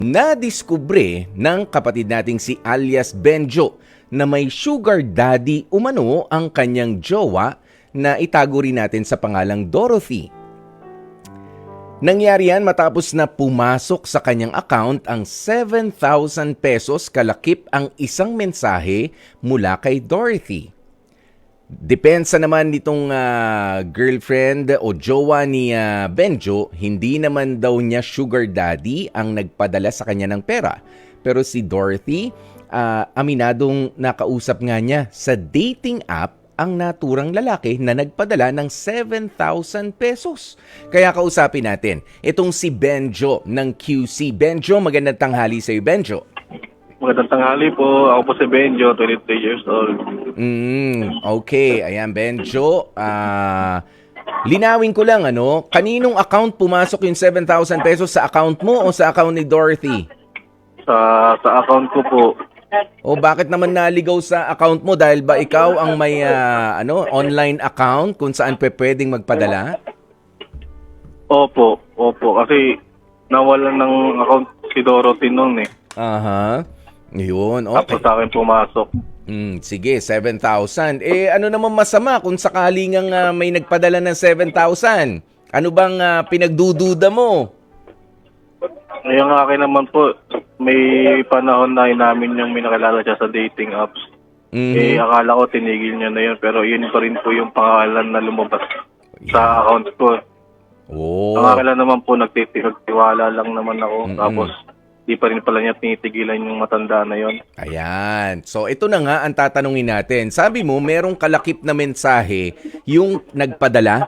Nadiskubre ng kapatid nating si alias Benjo na may sugar daddy umano ang kanyang jowa na itago rin natin sa pangalang Dorothy. Nangyari yan matapos na pumasok sa kanyang account ang 7,000 pesos kalakip ang isang mensahe mula kay Dorothy. Depensa naman nitong girlfriend o jowa ni Benjo, hindi naman daw niya sugar daddy ang nagpadala sa kanya ng pera. Pero si Dorothy, aminadong nakausap nga niya sa dating app ang naturang lalaki na nagpadala ng 7,000 pesos. Kaya kausapin natin itong si Benjo ng QC. Benjo, magandang tanghali sa iyo, Benjo. Magandang tanghali po. Ako po si Benjo, 23 years old. Okay. Ayan, Benjo. Linawin ko lang, kaninong account pumasok yung 7,000 pesos? Sa account mo o sa account ni Dorothy? Sa account ko po. O bakit naman naligaw sa account mo? Dahil ba ikaw ang may online account kung saan pwedeng magpadala? Opo. Kasi nawalan ng account si Dorothy noon eh. Aha. Yun, Tapos okay. sa akin pumasok. Sige, 7,000. Ano naman masama kung sakali ngang may nagpadala ng 7,000? Ano bang pinagdududa mo? Ngayon nga akin naman po, may panahon na namin yung may nakilala siya sa dating apps. Akala ko tinigil niya na yun, pero yun pa rin po yung pangalan na lumabas sa account ko. Oh. Ang akin lang naman po, nagtiwala lang naman ako. Tapos, di pa rin pala niya tinitigilan yung matanda na yon. Ayan. So, ito na nga ang tatanungin natin. Sabi mo, merong kalakip na mensahe yung nagpadala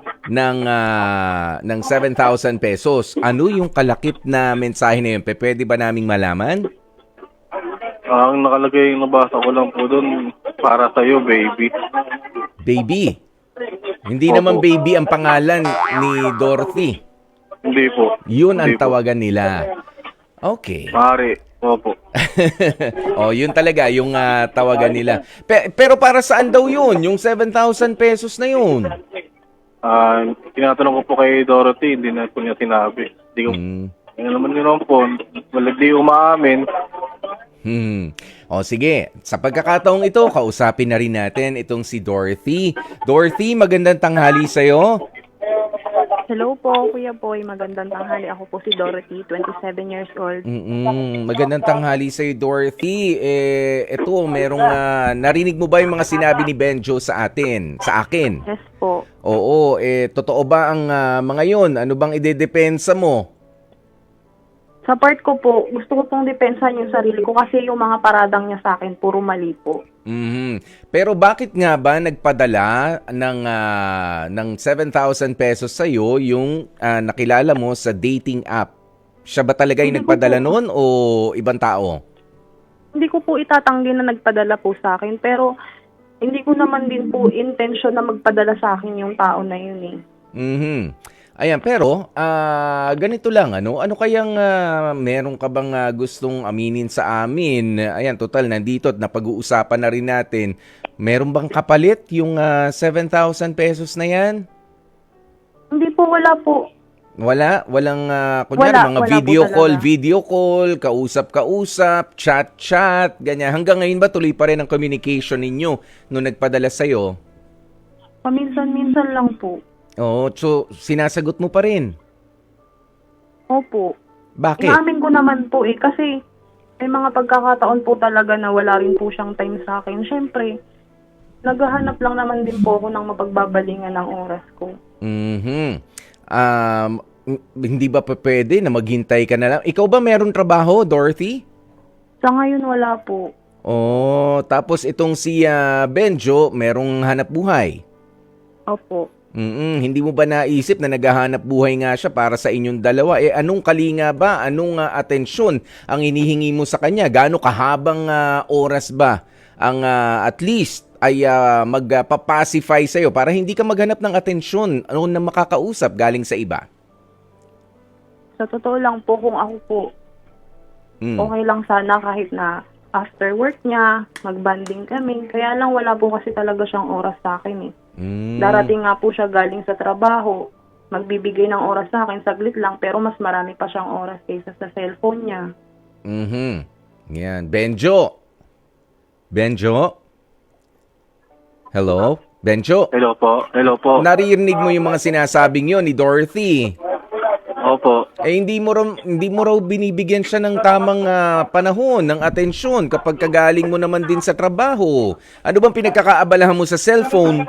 ng 7,000 pesos. Ano yung kalakip na mensahe na yun? Pwede ba naming malaman? Ang nakalagay, nabasa ko lang po doon, para sa'yo, baby. Baby. Hindi Opo. naman baby ang pangalan ni Dorothy. Hindi po. Yun ang Hindi po. tawagan nila. Okay. Mari. Opo. Yun talaga yung tawagan nila. Pero para saan daw yun? Yung 7,000 pesos na yun? Tinatanong ko po kay Dorothy, hindi na po niya sinabi. Hindi ko, Ano naman yun po, wala di umaamin. Sige. Sa pagkakataong ito, kausapin na rin natin itong si Dorothy. Dorothy, magandang tanghali sa'yo. Hello po, Kuya Boy. Magandang tanghali. Ako po si Dorothy, 27 years old. Magandang tanghali sa'yo, Dorothy. Ito, merong narinig mo ba yung mga sinabi ni Benjo sa atin? Sa akin? Yes po. Oo, totoo ba ang mga yun? Ano bang idedepensa mo? Sa part ko po, gusto ko pong depensahan yung sarili ko kasi yung mga paradang niya sa akin, puro mali po. Pero bakit nga ba nagpadala ng 7,000 pesos sa'yo yung nakilala mo sa dating app? Siya ba talaga yung Hindi ko nagpadala po. noon o ibang tao? Hindi ko po itatanggi na nagpadala po sa akin, pero hindi ko naman din po intention na magpadala sa akin yung tao na yun eh. Ayan, pero ganito lang, ano kayang meron ka bang gustong aminin sa amin? Ayan, total, nandito at napag-uusapan na rin natin. Meron bang kapalit yung 7,000 pesos na yan? Hindi po, wala po. Walang, kunyari, mga Wala video po call, kausap-kausap, chat, ganyan. Hanggang ngayon ba tuloy pa rin ang communication ninyo nung nagpadala sa'yo? Paminsan-minsan lang po. Oo, so sinasagot mo pa rin. Opo. Bakit? Inamin ko naman po kasi may mga pagkakataon po talaga na wala rin po siyang time sa akin. Siyempre, naghahanap lang naman din po ako ng mapagbabalingan ng oras ko. Hindi ba pwede na maghintay ka na lang? Ikaw ba meron trabaho, Dorothy? Sa ngayon, wala po. Tapos itong si Benjo, merong hanap buhay. Opo. Hindi mo ba naisip na naghahanap buhay nga siya para sa inyong dalawa? Anong kalinga ba? Anong atensyon ang inihingi mo sa kanya? Gaano kahabang oras ba ang at least ay magpapacify sa'yo para hindi ka maghanap ng atensyon na makakausap galing sa iba? Sa totoo lang po, kung ako po, okay lang sana kahit na after work niya, mag-banding kami. Kaya lang wala po kasi talaga siyang oras sa akin eh. Darating nga po siya galing sa trabaho, magbibigay ng oras sa akin, saglit lang, pero mas marami pa siyang oras kaysa sa cellphone niya. Mhm. Yan. Benjo. Benjo? Hello? Benjo? Hello po. Hello po. Naririnig mo yung mga sinasabing yon ni Dorothy. Opo. Hindi mo raw binibigyan siya ng tamang panahon, ng atensyon kapag kagaling mo naman din sa trabaho. Ano bang pinagkakaabalahan mo sa cellphone?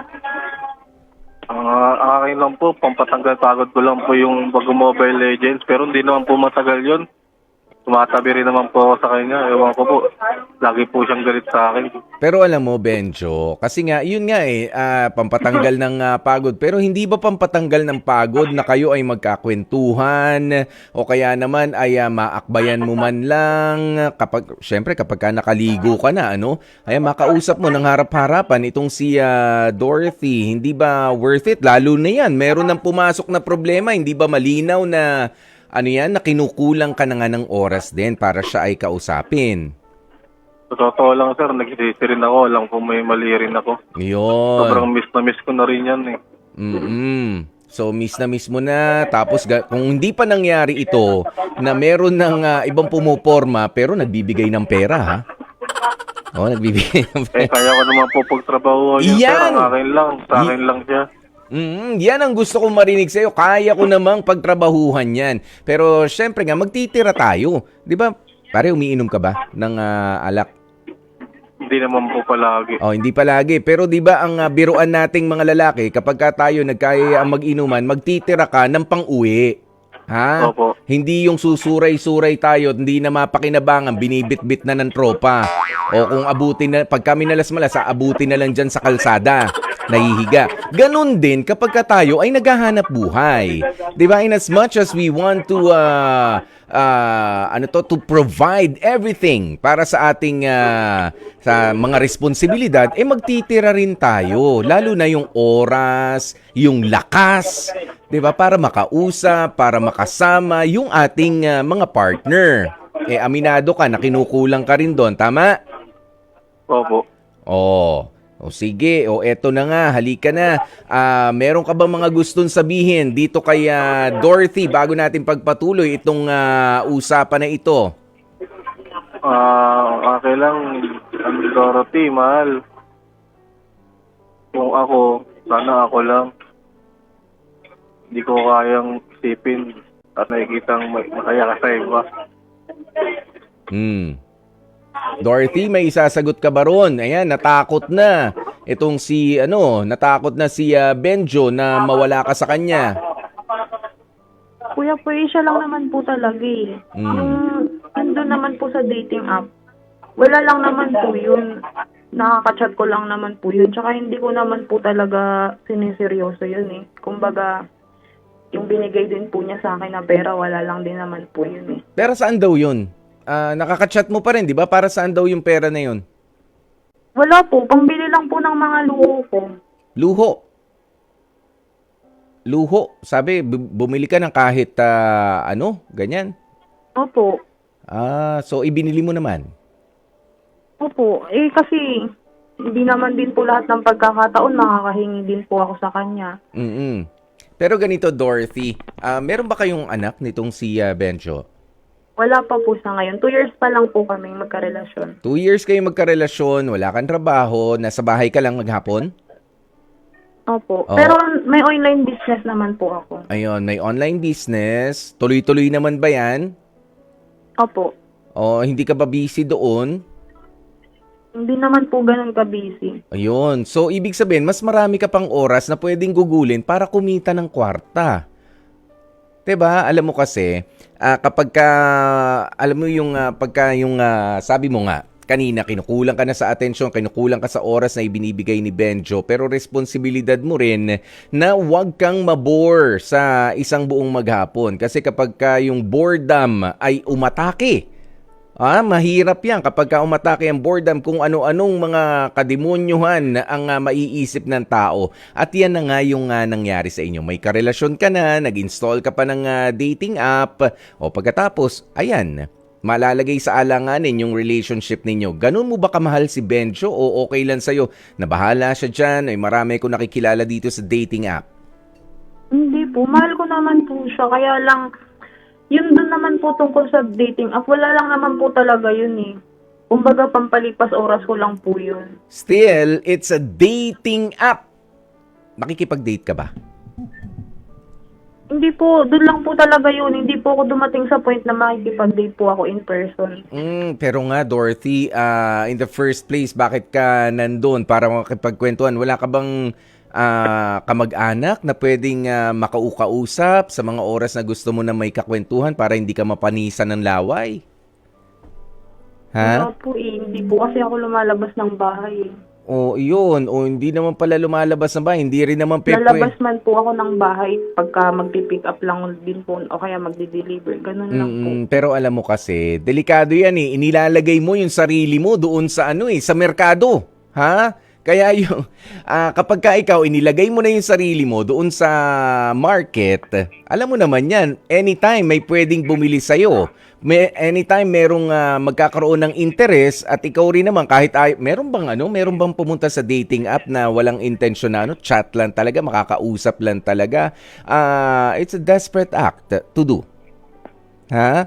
Ang akin lang po, pampatanggal pagod ko lang po yung pag-Mobile Legends, pero hindi naman po matagal yun. Tumatabi rin naman po ako sa kanya. Ewan ko po, lagi po siyang galit sa akin. Pero alam mo, Benjo, kasi nga, yun nga pampatanggal ng pagod. Pero hindi ba pampatanggal ng pagod na kayo ay magkakwentuhan o kaya naman ay maakbayan mo man lang syempre kapag ka nakaligo ka na, ano? Ay makausap mo ng harap-harapan itong si Dorothy. Hindi ba worth it? Lalo na yan, meron ng pumasok na problema. Hindi ba malinaw na na kinukulang ka na nga ng oras din para siya ay kausapin? Sa totoo lang, sir, nagsisisi rin ako. Alam ko may mali rin ako. Yun. Sobrang miss na miss ko na rin yan eh. So miss mo na. Tapos kung hindi pa nangyari ito na meron ng ibang pumuporma pero nagbibigay ng pera, ha? Oh, nagbibigay ng pera. Kaya ko naman po pagtrabaho yun, sir. Yan! Sa akin lang siya. Yan ang gusto kong marinig sa'yo. Kaya ko namang pagtrabahuhan yan. Pero syempre nga, magtitira tayo. Di ba? Pare, umiinom ka ba ng alak? Hindi naman po palagi. Oh, hindi palagi. Pero di ba ang biruan nating mga lalaki, kapag ka tayo nagkaya ang mag-inuman, magtitira ka ng pang-uwi. Ha? Opo. Hindi yung susuray-suray tayo, hindi na mapakinabangan, binibit-bit na ng tropa. O kung abutin na, pag kami nalas-malas, abutin na lang dyan sa kalsada. Nahihiga. Ganun din kapag ka tayo ay naghahanap buhay. 'Di ba? In as much as we want to to provide everything para sa ating sa mga responsibilidad, magtitira rin tayo, lalo na yung oras, yung lakas, 'di ba? Para makausap, para makasama yung ating mga partner. Aminado ka na kinukulang ka rin doon, tama? Opo. O sige, eto na nga, halika na. Meron ka bang mga gustong sabihin dito kay Dorothy bago natin pagpatuloy itong usapan na ito? Okay lang, Dorothy, mahal. Kung ako, sana ako lang. Hindi ko kayang isipin at nakikitang makaya ka sa iba. Dorothy, may isasagot ka ba ron? Ayan, natakot na. Itong natakot na si Benjo na mawala ka sa kanya. Kuya po, siya lang naman po talaga eh. Yung nandun naman po sa dating app, wala lang naman po yun. Nakaka-chat ko lang naman po yun. Tsaka hindi ko naman po talaga siniseryoso yun eh. Kumbaga, yung binigay din po niya sa akin na pera, wala lang din naman po yun eh. Pero saan daw yun? Nakaka-chat mo pa rin, di ba? Para saan daw yung pera na yun? Wala po. Pambili lang po ng mga luho ko. Luho? Sabi, bumili ka ng kahit ganyan? Opo. So ibinili mo naman? Opo. Kasi hindi naman din po lahat ng pagkakataon makakahingi din po ako sa kanya. Pero ganito, Dorothy, meron ba kayong anak nitong si Benjo? Wala pa po sa ngayon. 2 years pa lang po kaming magkarelasyon. 2 years kayo magkarelasyon, wala kang trabaho, nasa bahay ka lang maghapon? Opo. Pero may online business naman po ako. Ayun, may online business. Tuloy-tuloy naman ba yan? Opo. Hindi ka ba busy doon? Hindi naman po ganun ka-busy. Ayun. So, ibig sabihin, mas marami ka pang oras na pwedeng gugulin para kumita ng kwarta. 'Di ba? Alam mo kasi, kapag alam mo yung sabi mo nga, kanina kinukulang ka na sa atensyon, kinukulang ka sa oras na ibinibigay ni Benjo, pero responsibilidad mo rin na huwag kang mabore sa isang buong maghapon. Kasi kapag yung boredom ay umatake, mahirap yan kapag umatake ang boredom kung ano-anong mga kademonyuhan ang maiisip ng tao. At yan na nga yung nangyari sa inyo. May karelasyon ka na, nag-install ka pa ng dating app, o pagkatapos, ayan, malalagay sa alanganin yung relationship ninyo. Ganun mo ba kamahal si Benjo o okay lang sa'yo na bahala siya dyan? Ay marami ko nakikilala dito sa dating app. Hindi po. Mahal ko naman po siya. Kaya lang, Yun doon naman po tungkol sa dating app, wala lang naman po talaga yun eh. Kumbaga, pampalipas oras ko lang po yun. Still, it's a dating app. Nakikipag-date ka ba? Hindi po, doon lang po talaga yun. Hindi po ako dumating sa point na makikipag-date po ako in person. Pero nga, Dorothy, in the first place, bakit ka nandun para makipagkwentuhan? Wala ka bang kamag-anak na pwedeng makaukausap sa mga oras na gusto mo na may kakwentuhan para hindi ka mapanisan ng laway? Ha? Wala po eh. Hindi po kasi ako lumalabas ng bahay eh. O yun, o hindi naman pala lumalabas na ba? Hindi rin naman Lalabas man po ako ng bahay pagka magpipick up lang din po o kaya magdi-deliver. Ganun lang po. Pero alam mo kasi, delikado yan eh. Inilalagay mo yung sarili mo doon sa sa merkado. Ha? Kaya yung, kapag ka ikaw inilagay mo na yung sarili mo doon sa market, alam mo naman yan, anytime may pwedeng bumili sa'yo. Anytime merong magkakaroon ng interest at ikaw rin naman kahit meron bang pumunta sa dating app na walang intensyon na chat lang talaga, makakausap lang talaga. It's a desperate act to do. Ha?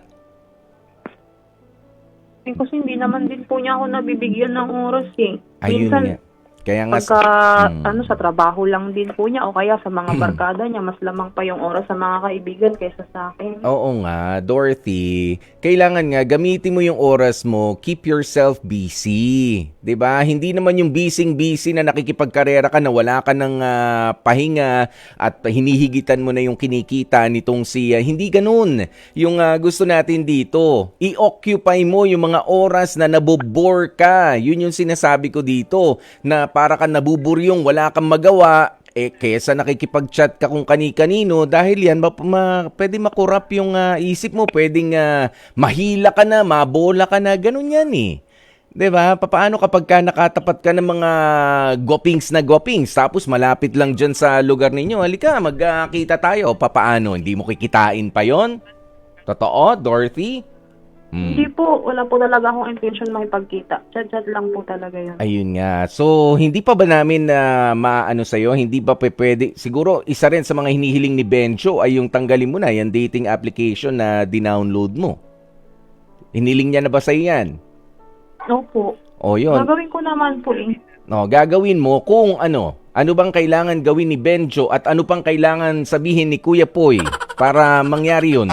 Kasi hindi naman din po niya ako nabibigyan ng oras eh. Ayun Minsan, nga. Kaya nga pagka sa trabaho lang din po niya o kaya sa mga barkada niya, mas lamang pa yung oras sa mga kaibigan kaysa sa akin. Oo nga, Dorothy. Kailangan nga gamitin mo yung oras mo, keep yourself busy. 'Di ba? Hindi naman yung busy na nakikipagkarera ka na wala ka ng pahinga at hinihigitan mo na yung kinikita nitong hindi ganoon. Yung gusto natin dito, i-occupy mo yung mga oras na nabobore ka. Yun yung sinasabi ko dito, na para ka nabuburyong, wala kang magawa, kesa nakikipag-chat ka kung kani-kanino, dahil yan, pwede makurap yung isip mo, pwedeng mahila ka na, mabola ka na, ganun yan eh. 'Di ba? Paano kapag ka nakatapat ka ng mga gopings, tapos malapit lang dyan sa lugar ninyo, halika, magkita tayo, papaano? Hindi mo kikitain pa yon? Totoo, Dorothy? Hindi po, wala po talaga akong intention makipagkita. Chat-chat lang po talaga yun. Ayun nga. So, hindi pa ba namin maano sa'yo? Hindi ba pwede? Siguro, isa rin sa mga hinihiling ni Benjo ay yung tanggalin mo na yung dating application na dinownload mo. Hiniling niya na ba sa'yo yan? Opo. O, yun. Gagawin ko naman po eh. No, gagawin mo kung ano bang kailangan gawin ni Benjo at ano pang kailangan sabihin ni Kuya Poy para mangyari yun?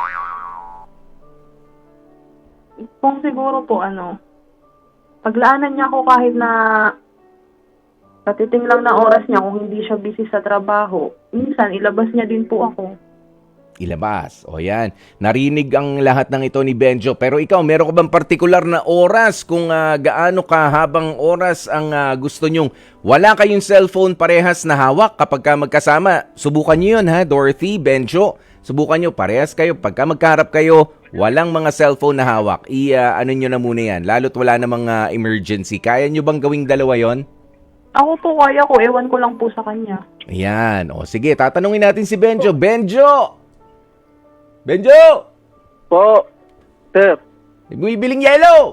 Kung siguro po paglaanan niya ako kahit na katiting lang na oras niya kung hindi siya busy sa trabaho. Minsan, ilabas niya din po ako. Ilabas. O yan. Narinig ang lahat ng ito ni Benjo. Pero ikaw, meron ka bang partikular na oras kung gaano kahabang oras ang gusto nyong wala kayong cellphone parehas na hawak kapag ka magkasama? Subukan nyo yun ha, Dorothy, Benjo. Subukan nyo, parehas kayo. Pagka magkaharap kayo, walang mga cellphone na hawak. Ano nyo na muna yan. Lalo't wala namang emergency. Kaya nyo bang gawing dalawa yon? Ako po kaya ko. Ewan ko lang po sa kanya. Ayan. O sige, tatanungin natin si Benjo. Benjo! Benjo! Po, sir. Bibiling yellow!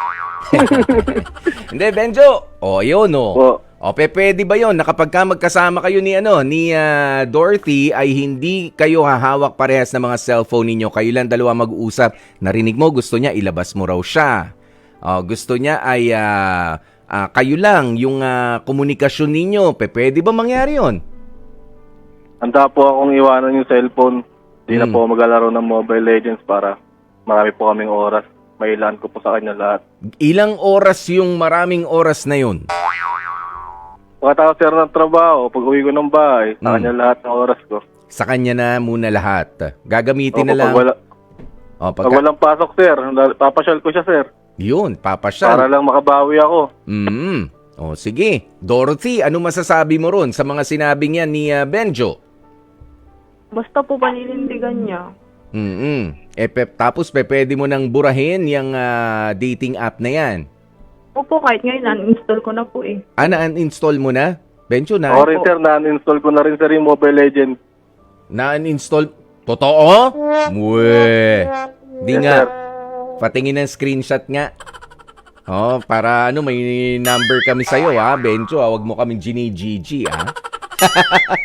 Hindi, Benjo. O, yun o. Po. O, pwede ba yun na kapag ka magkasama kayo ni Dorothy ay hindi kayo hahawak parehas ng mga cellphone ninyo. Kayo lang dalawa mag-uusap. Narinig mo, gusto niya ilabas mo raw siya. O, gusto niya ay kayo lang yung komunikasyon ninyo. Pwede ba mangyari yun? Handa po akong iwanan yung cellphone. Hindi na po maglalaro ng Mobile Legends para marami po kaming oras. Mailan ko po sa kanya lahat. Ilang oras yung maraming oras na yun? Pagkatapos sir ng trabaho, pag uwi ko ng bahay, sa kanya lahat ng oras ko. Sa kanya na muna lahat. Gagamitin na lang. Pag walang pasok sir, papasyal ko siya sir. Yun, papasyal. Para lang makabawi ako. O sige. Dorothy, ano masasabi mo ron sa mga sinabi niya ni Benjo? Basta po paninindigan niya. Tapos pwede mo nang burahin yung dating app na yan. Opo, kahit ngayon, uninstall ko na po eh. Na-uninstall mo na? Benjo, na? Sorry sir, na-uninstall ko na rin sir yung Mobile Legends. Na-uninstall? Totoo? Mwe. Di Yes, nga. sir. Patingin ng screenshot nga. Para may number kami sa'yo ha, Benjo. Huwag mo kaming ginigigi ha.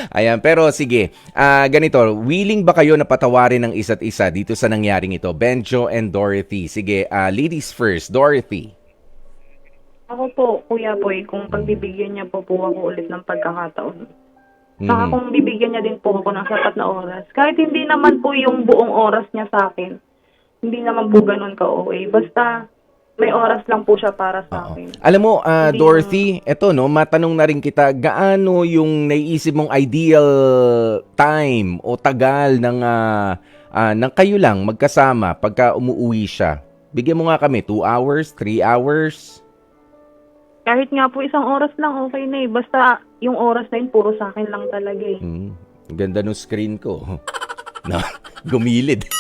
Ayan, pero sige. Ganito, willing ba kayo na patawarin ng isa't isa dito sa nangyaring ito? Benjo and Dorothy. Sige, ladies first. Dorothy. Ako po, Kuya Boy, kung pagbibigyan niya po ako ulit ng pagkakataon. Saka kung bibigyan niya din po ako ng sapat na oras. Kahit hindi naman po yung buong oras niya sa akin. Hindi naman po ganun ka-OA. Basta may oras lang po siya para sa akin. Alam mo, Hindi Dorothy, eto no, matanong na rin kita, gaano yung naiisip mong ideal time o tagal ng kayo lang magkasama pagka umuwi siya? Bigyan mo nga kami, 2 hours, 3 hours? Kahit nga po isang oras lang, okay na eh. Basta yung oras na yun, puro sa akin lang talaga eh. Ganda ng screen ko. No, gumilid.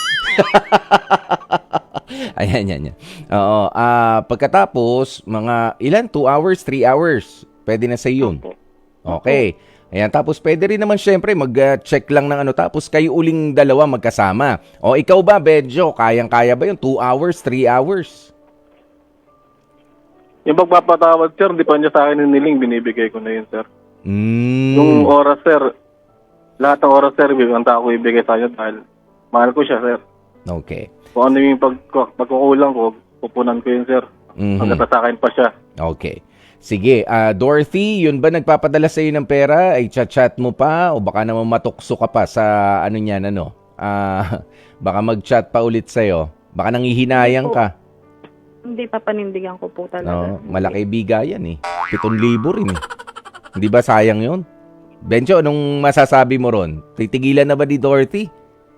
Ayan, yan. Oo, pagkatapos, mga ilan? 2 hours, 3 hours. Pwede na sa yun. Okay. Ayan, tapos pwede rin naman syempre mag-check lang ng ano, tapos kayo uling dalawa magkasama. O ikaw ba, Benjo, kayang-kaya ba yung 2 hours, 3 hours? Yung pagpapatawad, sir, hindi pa niya sa akin hiniling, binibigay ko na yun, sir. Yung Hmm. oras, sir, lahat ng oras, sir, bibigyan ako ibigay sa inyo dahil mahal ko siya, sir. Okay. Kung ano yung pagkukulang ko, pupunan ko yun, sir. Hanggang sa akin pa siya. Okay. Sige, Dorothy, yun ba nagpapadala sa iyo ng pera? Ay chat-chat mo pa o baka naman matukso ka pa sa ano niyan, ano? Baka mag-chat pa ulit sa iyo. Baka nanghihinayang ka. Hindi pa panindigan ko po talaga. No, malaki bigayan eh. 7,000 rin eh. Hindi ba sayang yun? Benjo, anong masasabi mo ron? Titigilan na ba ni Dorothy?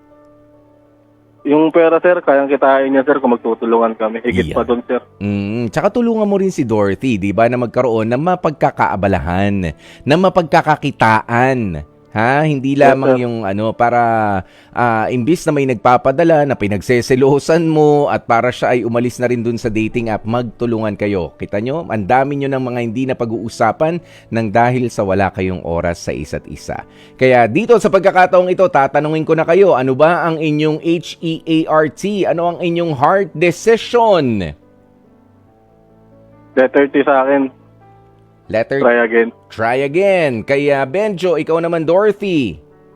Yung pera, sir, kayang kitain niya, sir, kung magtutulungan kami. Higit pa doon, sir. Tsaka tulungan mo rin si Dorothy, di ba, na magkaroon ng mapagkakaabalahan, na mapagkakakitaan. Ha? Hindi lamang yung ano, para imbis na may nagpapadala na pinagseselosan mo at para siya ay umalis na rin dun sa dating app, magtulungan kayo. Kita nyo, ang dami nyo ng mga hindi na pag-uusapan nang dahil sa wala kayong oras sa isa't isa. Kaya dito sa pagkakataong ito, tatanungin ko na kayo, ano ba ang inyong HEART? Ano ang inyong heart decision? Letter T sa akin. Letter Try again. Try again. Kaya Benjo, ikaw naman Dorothy.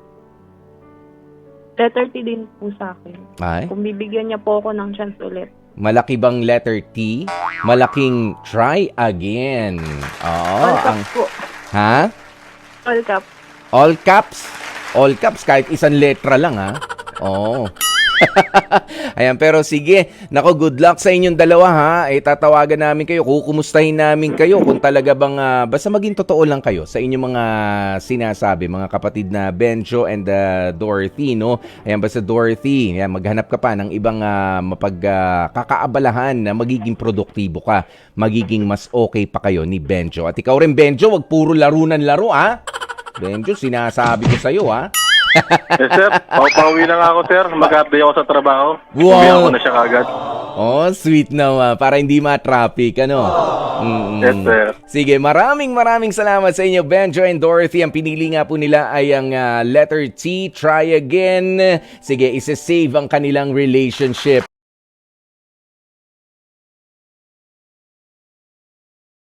Letter T din po sa akin. Ay, Kung bibigyan niya po ako ng chance ulit. malaki bang letter T? Malaking try again. All Oo. caps po. Ha? All caps. All caps? All caps kahit isang letra lang ha. Oo. Ayan, pero sige. Nako, good luck sa inyong dalawa ha. Tatawagan namin kayo, kukumustahin namin kayo kung talaga bang basta maging totoo lang kayo sa inyong mga sinasabi, mga kapatid na Benjo and Dorothy, no? Ayan, basta Dorothy, ayan, maghanap ka pa ng ibang mapagkakaabalahan na magiging produktibo ka. Magiging mas okay pa kayo ni Benjo. At ikaw rin, Benjo, wag puro laro ha. Benjo, sinasabi ko sa'yo ha. Yes, sir. Pauwi na nga ako, sir. Mag-update ako sa trabaho. Wow. Uwi ako na siya kagad. Oh, sweet naman. Para hindi ma-traffic, ano? Yes, sir. Sige, maraming salamat sa inyo, Benjo and Dorothy. Ang pinili nga po nila ay ang letter T, try again. Sige, isa-save ang kanilang relationship.